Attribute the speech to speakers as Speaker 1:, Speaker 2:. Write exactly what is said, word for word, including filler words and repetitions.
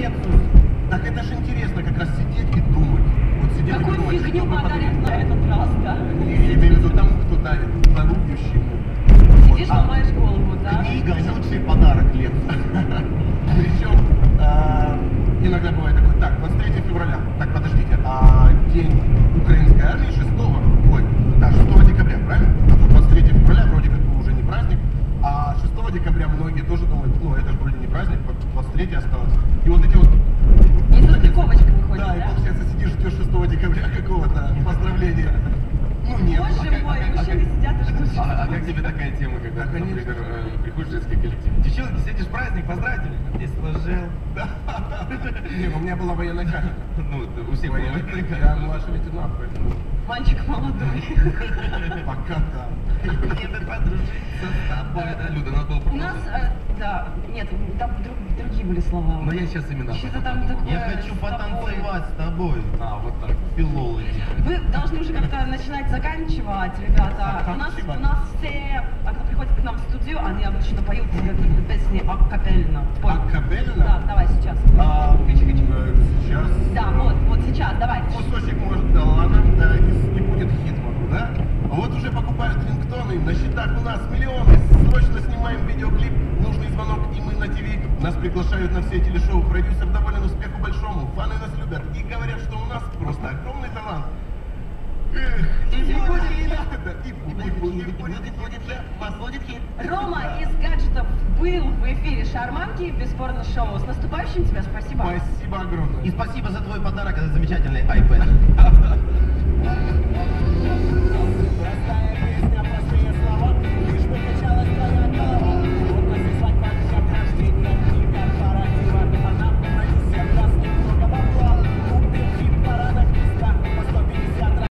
Speaker 1: Lexus.
Speaker 2: Так это же интересно как раз сидеть и думать. Вот сидеть
Speaker 1: Какую
Speaker 2: и думать.
Speaker 1: фигню подарят на этот раз, да?
Speaker 2: Я имею в виду тому, кто дарит, дарующему.
Speaker 1: Сидишь,
Speaker 2: Вот.
Speaker 1: ломаешь голову, да?
Speaker 2: Книга – лучший подарок Lexus. Причем иногда бывает такой, так, двадцать третьего февраля, так, подождите, а день украинской армии шестого, ой, да, шестого декабря, правильно? А тут двадцать третьего февраля вроде как бы уже не праздник, а шестого декабря многие тоже думают, ну, это же вроде не праздник, двадцать третьего осталось. И вот эти вот...
Speaker 1: Несостыковочка выходит,
Speaker 2: да?
Speaker 1: Да,
Speaker 2: и получается, сидишь, ждешь шестого декабря какого-то поздравления. Ну, нет.
Speaker 1: Боже
Speaker 2: а,
Speaker 1: мой,
Speaker 2: а,
Speaker 1: мужчины
Speaker 2: а,
Speaker 1: сидят и ждут.
Speaker 3: А, а как тебе такая тема, когда,
Speaker 2: Да,
Speaker 3: например, э, приходишь в женский коллектив? Девчонки, сегодня праздник, поздравьте меня. Не сложил.
Speaker 2: Не, у меня была военная кафедра.
Speaker 3: Ну, у всех была военная
Speaker 2: Я
Speaker 3: кафедра.
Speaker 2: младший лейтенант, поэтому
Speaker 1: Мальчик молодой.
Speaker 2: пока да.
Speaker 3: Мне бы подружиться с тобой. Да, Люда, надо было
Speaker 1: У нас,
Speaker 3: продолжить.
Speaker 1: э, да, нет, там друг- другие были слова.
Speaker 3: Но я сейчас именно...
Speaker 1: Что-то там такое.
Speaker 4: Я хочу
Speaker 1: с тобой.
Speaker 4: потанцевать с тобой,
Speaker 3: А, вот так.
Speaker 4: филологи.
Speaker 1: Вы должны уже как-то начинать заканчивать, ребята. У нас, у нас все, а кто приходит к нам в студию, они обычно поют какие-то песни акапельно. Пой.
Speaker 2: Акапельно?
Speaker 1: Да, давай сейчас.
Speaker 2: А,
Speaker 1: Хочу-хочу.
Speaker 2: э, сейчас
Speaker 1: Да, вот, вот сейчас, давай.
Speaker 2: кусочек может, да ладно, да, не, не будет хит, могу, да? Вот уже покупают рингтоны, на счетах у нас миллионы, срочно снимаем видеоклип, нужный звонок, и мы на ТВ. Нас приглашают на все телешоу, продюсер доволен успеху большому, фаны нас любят и говорят, что у нас просто огромный талант. Эх, и не будет хита, и будет, будет, будет, будет, вас будет хит.
Speaker 1: Рома из гаджетов был в эфире Шарманки, бесспорно шоу. С наступающим тебя, спасибо.
Speaker 2: Спасибо огромное.
Speaker 4: И спасибо за твой подарок, это замечательный iPad.
Speaker 2: Простая песня.